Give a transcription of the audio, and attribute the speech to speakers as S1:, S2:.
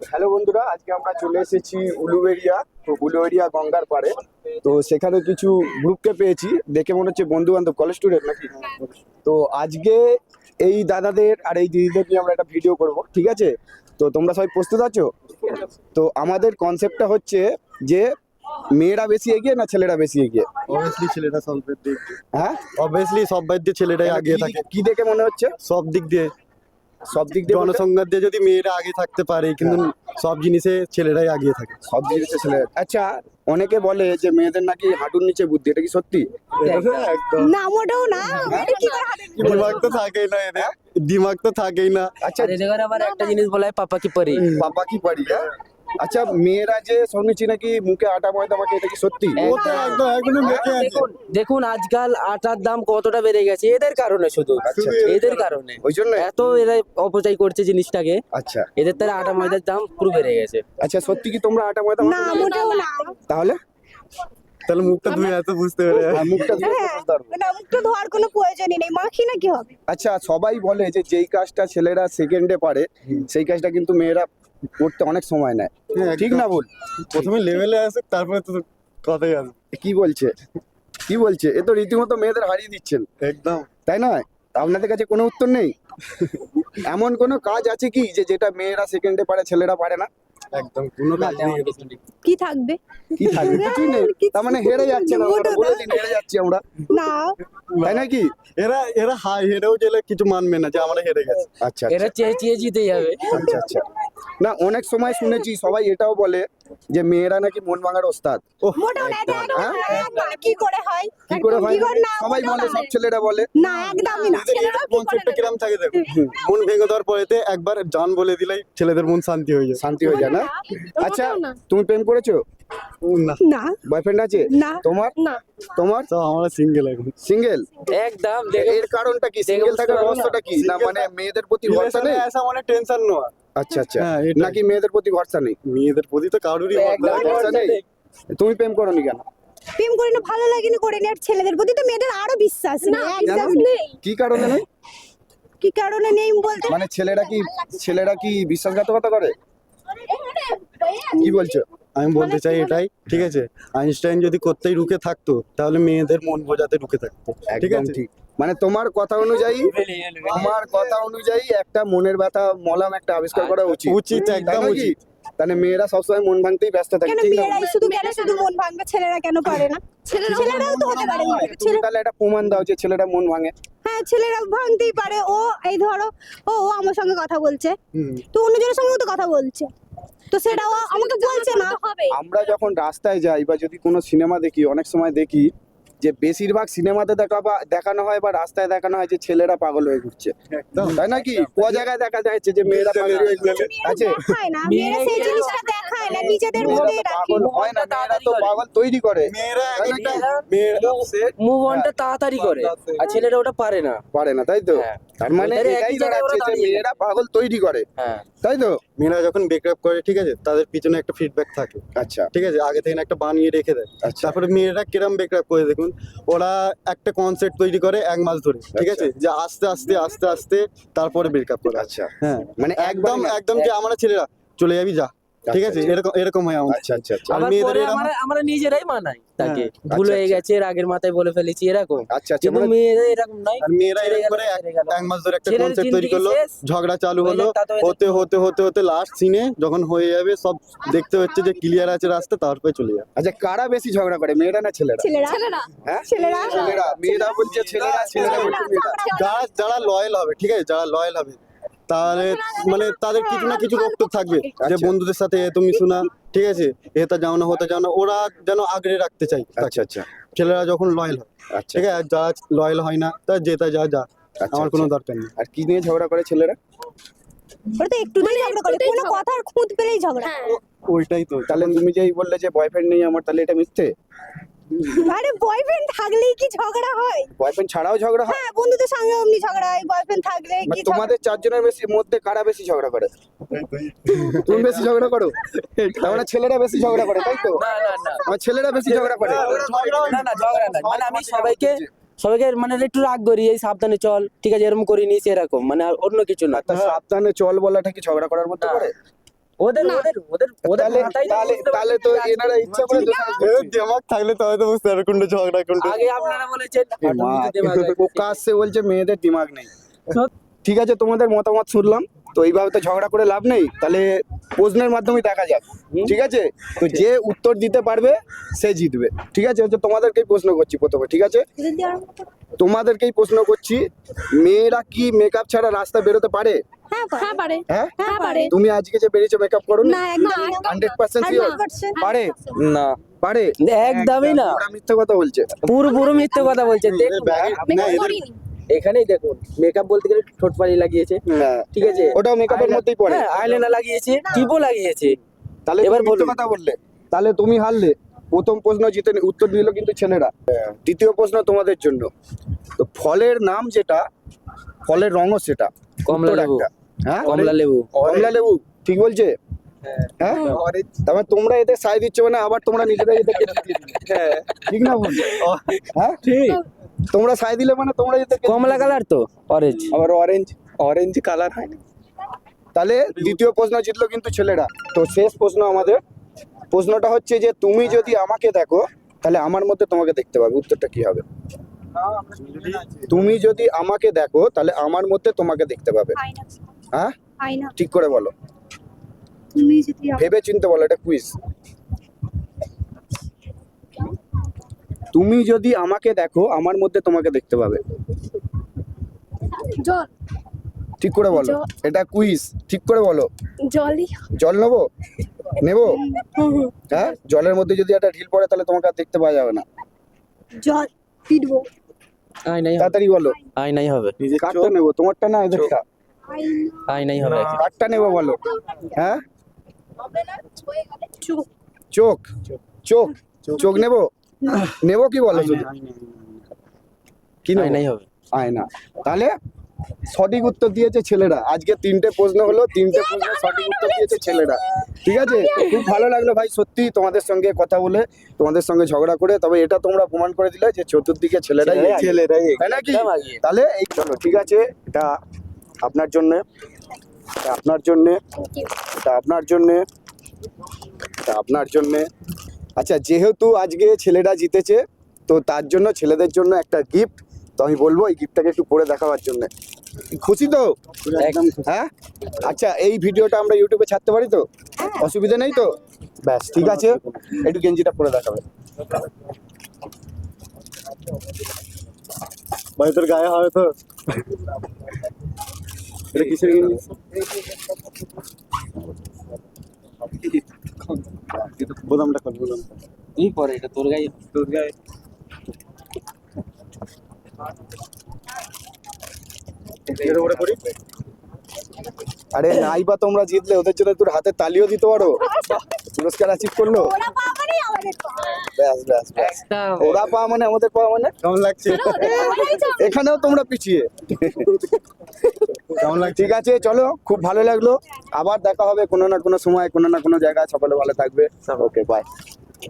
S1: Hello বন্ধুরা, আজকে আমরা চলে এসেছি উলুবেড়িয়া। তো উলুবেড়িয়া গঙ্গার পাড়ে। তো সেখানে কিছু গ্রুপকে পেয়েছি, দেখে মনে হচ্ছে বন্ধু বান্ধব, কলেজ স্টুডেন্ট নাকি। তো আজকে এই দাদাদের আর এই দিদিদের নিয়ে আমরা একটা ভিডিও করব, ঠিক আছে? তো তোমরা সবাই প্রস্তুত আছো? তো আমাদের কনসেপ্টটা হচ্ছে যে মেয়েরা বেশি এগিয়ে না ছেলেরা বেশি এগিয়ে?
S2: অবভিয়াসলি ছেলেটা সব দিক দিয়ে,
S1: হ্যাঁ,
S2: অবভিয়াসলি সব দিক দিয়ে ছেলেটাই আগে থাকে।
S1: কি দেখে মনে হচ্ছে?
S2: সব দিক দিয়ে,
S1: সব দিক দিয়ে বলতে?
S2: জনসংখ্যা দিয়ে যদি মেয়েরা আগে থাকতে পারে, কিন্তু সব জিনিসে ছেলেরাই আগে থাকে।
S1: সব জিনিসে ছেলে। আচ্ছা, অনেকে বলে যে মেয়েদের নাকি হাঁটুর নিচে বুদ্ধি, এটা কি সত্যি?
S2: একদম
S3: না, মোটেও না। এটা কি করে হাতে দিবে?
S2: দিমাগ তো থাকেই না এদের, দিমাগ তো থাকেই না।
S1: আচ্ছা,
S4: আর এদের আবার একটা জিনিস বলা হয় পাপা কি পরি।
S1: বাবা কি পারি। হ্যাঁ? আচ্ছা, মেয়েরা যে শুনেছি নাকি মুখে আটা ময়দা মাখে, এটা কি সত্যি?
S2: ও তো একদম একদম মেখে আছে।
S4: দেখুন দেখুন আজকাল আটার দাম কতটা বেড়ে গেছে এদের কারণে, শুধু
S1: আচ্ছা,
S4: এদের কারণে।
S1: ওই জন্য?
S4: এত এরা অপচয় করছে জিনিসটাকে,
S1: আচ্ছা
S4: এদের তারা আটা ময়দার দাম পুরো বেড়ে গেছে।
S1: আচ্ছা, সত্যি কি তোমরা আটা ময়দা
S3: না,
S1: মাখো?
S3: মোটেও না।
S1: তাহলে
S2: তাহলে মুখটা ধুয়ে এত বুঝতে পারে।
S1: মুখটা ধুয়ে
S3: হ্যাঁ,
S1: বুঝতে পারবো।
S3: না, মুখটা ধোয়ার কোনো প্রয়োজনই নেই, মাখি না কি হবে?
S1: আচ্ছা, সবাই বলে যে যেই কাজটা ছেলেরা সেকেন্ডে পারে সেই কাজটা কিন্তু মেয়েরা করতে অনেক সময় নেয়, ঠিক না বল?
S2: প্রথমে লেভেলে আসে, তারপরে তো কথাই আসে।
S1: কি বলছে কি বলছে? এ তো রীতিমতো মেয়েদের হারিয়ে দিচ্ছেন,
S2: একদম
S1: তাই না? আপনাদের কাছে কোনো উত্তর নেই? এমন কোনো কাজ আছে কি যে যেটা মেয়েরা সেকেন্ডে পারে ছেলেরা পারে না?
S2: একদম কোনো কাজ নেই।
S3: কি থাকবে?
S1: কি থাকবে? কিছুই নেই। তার মানে হেরে যাচ্ছে না, আমরা বলে দিন হেরে যাচ্ছি আমরা,
S3: না,
S1: তাই নাকি?
S2: এরা এরা হাই হেরেও গেলে কিছু মানবে না যে আমরা হেরে গেছি।
S1: আচ্ছা
S4: এরা চেয়ে চেয়ে জিতে যাবে।
S1: আচ্ছা আচ্ছা। না, অনেক সময় শুনেছি সবাই এটাও বলে যে মেয়েরা নাকি মন ভাঙার ওস্তাদ।
S3: মোটেও না। এটা
S1: হ্যাঁ?
S3: একদম কি করে হয়?
S1: কি করে হয়?
S3: না,
S1: সবাই
S3: মোটেও
S1: বলে,
S3: না।
S1: সব ছেলেরা বলে।
S3: না, একদমই না। ছেলেরাও কি করে
S2: কনসেপ্টটা
S3: না?
S2: কিরম থাকে দেখো, মন ভেঙে দেওয়ার পরেতে একবার জান বলে দিলেই ছেলেদের মন শান্তি হয়ে যায়।
S1: শান্তি হয়ে যায় না? আচ্ছা,
S3: মোটেও না।
S1: তুমি প্রেম করেছো?
S2: না,
S3: না,
S1: বয়ফ্রেন্ড আছে
S3: না,
S1: তোমার?
S3: না।
S1: তোমার
S2: তো আমরা সিঙ্গেল এখন।
S1: সিঙ্গেল?
S4: একদম দেখে
S1: এর কারণটা কি? সিঙ্গেল থাকার রহস্যটা কি? না মানে মেয়েদের প্রতি ভরসা নেই?
S2: ऐसा মানে টেনশন নেওয়া।
S1: আচ্ছা আচ্ছা।
S2: হ্যাঁ, এটাই।
S1: নাকি মেয়েদের প্রতি ভরসা নেই?
S2: মেয়েদের প্রতি তো কারোরই
S4: একদম
S1: ভরসা নেই। তুমি প্রেম করোনি কেন?
S3: প্রেম করি না, ভালো লাগেনি, করিনি। আর ছেলেদের প্রতি তো মেয়েদের আরো বিশ্বাস নেই, একদম নেই।
S1: কি কারণে নেই?
S3: কি কারণে নেই বলতে?
S1: মানে ছেলেরা কি বিশ্বাসঘাতকতা করে? কি বলছো?
S2: আমি বলতে চাই এটাই, ঠিক আছে? আইনস্টাইন যদি করতেই রুখে থাকতো, তাহলে মেয়েদের মন বোঝাতে রুখে থাকতো, ঠিক
S1: একদম
S2: আছে?
S1: ঠিক। মানে তোমার কথা অনুযায়ী একটা মনের ব্যথা মলম একটা আবিষ্কার করা উচিত।
S2: উচিত,
S1: তাই
S2: একদম
S1: নাকি?
S2: উচিত।
S1: তাহলে মেয়েরা সবসময় মন ভাঙতেই ব্যস্ত থাকে,
S3: কেন
S1: ঠিক না?
S3: মেয়েরাই শুধু মন ভাঙবে, ছেলেরা কেন পারে না? ছেলেরাও তো হতে পারে।
S1: তুমি তাহলে একটা প্রমাণ দাও যে ছেলেরা মন ভাঙে।
S3: হ্যাঁ, ছেলেরা ভাঙতেই পারে। ও এই ধরো, ও আমার সঙ্গে কথা বলছে,
S2: হুম।
S3: তো অন্যজনের সঙ্গেও তো কথা বলছে, তো সেটাও আমাকে বলছে না।
S1: আমরা যখন রাস্তায় যাই বা যদি কোনো সিনেমা দেখি, অনেক সময় দেখি যে বেশিরভাগ সিনেমাতে দেখানো হয় বা রাস্তায় দেখানো হয় যে ছেলেরা পাগল হয়ে ঘুরছে,
S2: একদম।
S1: তাই নাকি? ক জায়গায় দেখা যাচ্ছে যে মেয়েরা পাগল হয়ে ঘুরছে। আছে?
S3: দেখায় না, মেয়েরা সেই জিনিসটা দেখায় না, নিজেদের
S1: মেয়েরা
S3: মধ্যেই
S1: তো
S3: রাখে।
S1: পাগল হয় না, মেয়েরা তো পাগল তৈরি করে।
S2: মেয়েরা
S1: তাই
S2: একটা
S1: নাকি?
S2: মেয়েরা
S4: মুভ অনটা তাড়াতাড়ি করে, আর ছেলেরা ওটা পারে না।
S1: পারে না, তাই তো?
S4: হ্যাঁ।
S1: তার মানে
S4: ওদের
S1: এটাই
S4: একই জায়গায় ওরা
S1: দাঁড়াচ্ছে যে
S4: দাঁড়িয়ে
S1: মেয়েরা পাগল তৈরি করে,
S4: হ্যাঁ।
S1: তাই তো?
S2: মেয়েরা যখন ব্রেকআপ করে, ঠিক আছে, তাদের পিছনে একটা ফিডব্যাক থাকে,
S1: আচ্ছা
S2: ঠিক আছে? আগে থেকে একটা বানিয়ে রেখে দেয়।
S1: আচ্ছা।
S2: তারপরে মেয়েরা কিরম ব্রেকআপ করে দেখুন, ওরা একটা কনসেপ্ট তৈরি করে 1 মাস ধরে, ঠিক আছে? যে আস্তে আস্তে আস্তে আস্তে তারপরে ব্রেকআপ করে।
S1: আচ্ছা।
S2: হ্যাঁ,
S1: মানে
S2: একদম একদম যে আমরা ছেলেরা চলে যাবি যা, ঠিক আছে?
S1: আচ্ছা।
S2: এরকম হয় আমাদের।
S1: আচ্ছা আচ্ছা আচ্ছা।
S2: আর
S4: আবার
S2: মেয়েদের
S4: পরে
S2: এরকম-
S4: আমরা নিজেরাই মানাই তাকে,
S2: হ্যাঁ।
S4: ভুল
S1: আচ্ছা,
S4: হয়ে
S1: আচ্ছা।
S4: গেছে, রাগের মাথায় বলে ফেলেছি এরকম।
S1: আচ্ছা আচ্ছা।
S4: কিন্তু
S1: মানে
S4: মেয়েরা এরকম নাই।
S2: আর মেয়েরা
S4: ছেড়ে
S2: এরকম
S4: গেল,
S2: করে
S4: ছেড়ে গেল।
S2: 1 মাস ধরে একটা
S4: ছেলের
S2: কনসেপ্ট তৈরি
S4: জিন্দেগি
S2: করলো,
S4: শেষ।
S2: ঝগড়া চালু হলো,
S4: হয়ে যাক, তাতে
S2: হতে হতে হতে হতে লাস্ট সিনে যখন হয়ে যাবে, সব দেখতে হচ্ছে যে ক্লিয়ার আছে রাস্তা, তারপরে চলে যাবে।
S1: আচ্ছা, কারা বেশি ঝগড়া করে, মেয়েরা না ছেলেরা?
S3: ছেলেরা
S1: হ্যাঁ,
S3: ছেলেরা
S1: মেয়েরা বলছে ছেলেরা, ছেলেরা বলছে মেয়েরা।
S2: যারা যারা লয়াল হবে, ঠিক আছে, যারা লয়াল হবে, তাহলে মানে তাদের কিছু না কিছু বক্তব্য থাকবে যে
S1: আচ্ছা।
S2: বন্ধুদের সাথে তুমি শোনা, ঠিক আছে, এটা যাও না হতে যাও না, ওরা যেন আগলে রাখতে চাই তাকে।
S1: আচ্ছা আচ্ছা
S2: ছেলেরা যখন লয়াল হয়,
S1: আচ্ছা।
S2: ঠিক আছে, আর যারা লয়াল হয় না, তা যেটা যা যা,
S1: আচ্ছা,
S2: আমার কোনো
S1: আচ্ছা।
S2: দরকার নেই।
S1: আর কি নিয়ে ঝগড়া করে ছেলেরা?
S3: ওরা তো একটুতেই ঝগড়া করে, কোনো কথার খুঁত পেলেই ঝগড়া।
S2: ওইটাই তো।
S1: তাহলে তুমি যেই বললে যে বয়ফ্রেন্ড নেই আমার, তাহলে এটা মিথ্যে?
S3: আরে বয়ফ্রেন্ড থাকলেই কি ঝগড়া হয়?
S1: বয়ফ্রেন্ড ছাড়াও ঝগড়া হয়?
S3: হ্যাঁ, বন্ধুদের সঙ্গে অমনি ঝগড়া হয়, বয়ফ্রেন্ড থাকলে
S1: মানে
S3: কি
S1: তোমাদের চারজনের মধ্যে কারা বেশি ঝগড়া করে? তুমি বেশি ঝগড়া করো? তার মানে ছেলেরা বেশি ঝগড়া করে, তাই তো?
S4: না না না
S1: আমার ছেলেরা বেশি ঝগড়া করে।
S4: না না, ঝগড়া না, মানে আমি সবাইকে মানে একটু রাগ করি, এই সাবধানে চল, ঠিক আছে, এরকম করিনি এরকম, মানে আর অন্য কিছু না।
S1: তা সাবধানে চল বলাটা কি ঝগড়া করার মধ্যে
S4: না।
S1: পড়ে?
S4: ওদের ওদের ওদের ওদের
S1: তাহলে
S4: মাথায় তো
S1: তাহলে
S4: বুঝতে
S1: তাহলে তো
S4: পারছেন যে
S1: এনারা ইচ্ছা করে দোষারোপ
S2: এর
S1: করছে।
S2: দিমাগ থাকলে তবে তো বুঝতে পারবে কোনটা ঝগড়া কোনটা
S4: আগে আপনারা বলেছেন automatic দেওয়া যায়।
S1: পোকা আসছে বলছে মেয়েদের দিমাগ নেই। ঠিক আছে, তোমাদের মতামত শুনলাম। তো এইভাবে তো ঝগড়া করে লাভ নেই, তাহলে প্রশ্নের মাধ্যমে দেখা যাক। ঠিক আছে, তো যে উত্তর দিতে পারবে সে জিতবে। ঠিক আছে, হচ্ছে তোমাদেরকেই প্রশ্ন করছি প্রথমে। ঠিক আছে,
S3: যদি আরম্ভ করো।
S1: তোমাদেরকেই প্রশ্ন করছি, মেয়েরা কি মেকআপ ছাড়া রাস্তা বেরোতে পারে?
S3: হ্যাঁ
S5: হ্যাঁ পারে
S1: হ্যাঁ,
S3: হ্যাঁ পারে।
S1: তুমি আজকে যে বেরিয়েছো মেকআপ করো
S3: না একদম
S1: 100% শিওর
S3: 100%
S1: পারে?
S4: না
S1: পারে?
S4: একদমই না,
S1: ওরা মিথ্যে কথা বলছে।
S4: পুরো পুরো মিথ্যে কথা বলছেন। দেখুন
S2: না এদের
S5: করিনি
S4: এখানেই দেখুন, মেকআপ বলতে গেলে ঠোঁট পালি লাগিয়েছে,
S1: হ্যাঁ,
S4: ঠিক আছে,
S1: ওটাও মেকআপের মধ্যেই পড়ে।
S4: হ্যাঁ আইলাইনার লাগিয়েছে, টিপও লাগিয়েছে।
S1: তাহলে
S4: এবার
S1: এবার মিথ্যে
S4: বলুন।
S1: কথা বললে, তাহলে তুমি হারলে। প্রথম প্রশ্ন জিতে উত্তর দিল কিন্তু ছেলেরা। দ্বিতীয় প্রশ্ন তোমাদের জন্য, তো ফলের নাম যেটা, ফলের রঙও সেটা,
S4: কমলা
S1: উত্তর
S4: লেবু।
S1: একটা। হ্যাঁ,
S4: কমলা লেবু।
S1: কমলা লেবু ঠিক বলছে। হ্যাঁ, তারপরে তোমরা এদের সাই দিচ্ছ মানে আবার তোমরা নিজেরাই এদেরকে জিতিয়ে দিলে। ঠিক না বল? হ্যাঁ
S4: ঠিক,
S1: তোমরা সাই দিলে মানে তোমরা এদেরকে
S4: কমলা কালার তো অরেঞ্জ।
S1: আবার অরেঞ্জ, অরেঞ্জ কালার হয় না। তাহলে দ্বিতীয় প্রশ্ন জিতলো কিন্তু ছেলেরা। তো শেষ প্রশ্ন আমাদের, প্রশ্নটা হচ্ছে যে তুমি যদি আমাকে দেখো তাহলে আমার মধ্যে তোমাকে দেখতে পাবে। উত্তরটা কি হবে? তুমি যদি আমাকে দেখো তাহলে আমার মধ্যে তোমাকে দেখতে পাবে।
S3: আয়না
S1: হ্যাঁ,
S3: আয়না
S1: ঠিক করে বলো,
S3: তুমি যদি
S1: ভেবে চিন্তে বলো, এটা কুইজ। তুমি যদি আমাকে দেখো আমার মধ্যে তোমাকে দেখতে পাবে।
S5: জল
S1: ঠিক করে বলো, এটা কুইজ, ঠিক করে বলো।
S5: জলই
S1: জল নেবো, নেবো? হ্যাঁ, জলের মধ্যে যদি একটা ঢিল পড়ে তাহলে তোমাকে আর দেখতে পাওয়া যাবে না।
S3: জল পিটবো
S4: আইনাই হবে,
S1: তাড়াতাড়ি বলো,
S4: আইনাই হবে,
S1: কারটা নেবো, তোমারটা না এদেরটা?
S3: আয়না
S4: আইনাই হবে।
S1: কারটা নেবো বলো। হ্যাঁ,
S3: চোখ
S1: চোখ, চোখ, চোখ নেবো, নেবো কি বলো শুধু? কি নেবো?
S4: আইনাই হবে।
S1: আয়না। তাহলে সঠিক উত্তর দিয়েছে ছেলেরা। আজকে 3টে প্রশ্ন হলো, 3টে প্রশ্ন সঠিক উত্তর দিয়েছে ছেলেরা। ঠিক আছে, তো খুব ভালো লাগলো ভাই সত্যি তোমাদের সঙ্গে কথা বলে, তোমাদের সঙ্গে ঝগড়া করে। তবে এটা তোমরা প্রমাণ করে দিলে যে চতুর্দিকে ছেলেরাই তাই নাকি?
S4: একদম আগিয়ে।
S1: তাহলে এই চলো, ঠিক আছে, এটা আপনার জন্য, এটা আপনার জন্য, এটা আপনার জন্য, এটা আপনার জন্য। আচ্ছা, যেহেতু আজকে ছেলেরা জিতেছে তো তার জন্য ছেলেদের জন্য একটা গিফট। তো আমি বলবো এই গিফটটাকে একটু পরে দেখাবার জন্য। খুশি তো?
S4: একদম
S1: হ্যাঁ, আচ্ছা এই ভিডিওটা আমরা ইউটিউবে ছাড়তে পারি তো? অসুবিধা নেই তো? ব্যাস ঠিক আছে, একটু গেঞ্জিটা পরে দেখাবে।
S2: ভাই তোর গায়ে হবে তো?
S1: এটা কিসের গেঞ্জি?
S2: বোতামটা খোল, বোতাম
S4: তুই পরে, এটা তোর গায়ে,
S2: তোর গায়ে। এর উপরে করি।
S1: আরে নাই বা তোমরা জিতলে ওদের জন্য তোর হাতে তালিও দিতে পারো, পুরস্কার অ্যাচিভ করলো।
S3: ওরা পাবারই আমাদের পাওয়া।
S1: ব্যাস ব্যাস ব্যাস,
S4: একটা
S1: ওরা পাওয়া মানে আমাদের পাওয়া মানে।
S2: কেমন লাগছে?
S1: এখানেও তোমরা পিছিয়ে।
S2: কেমন লাগছে?
S1: ঠিক আছে, চলো, খুব ভালো লাগলো। আবার দেখা হবে কোনো না কোনো সময়, কোনো না কোনো জায়গায়। সকলে ভালো থাকবে। Okay, by.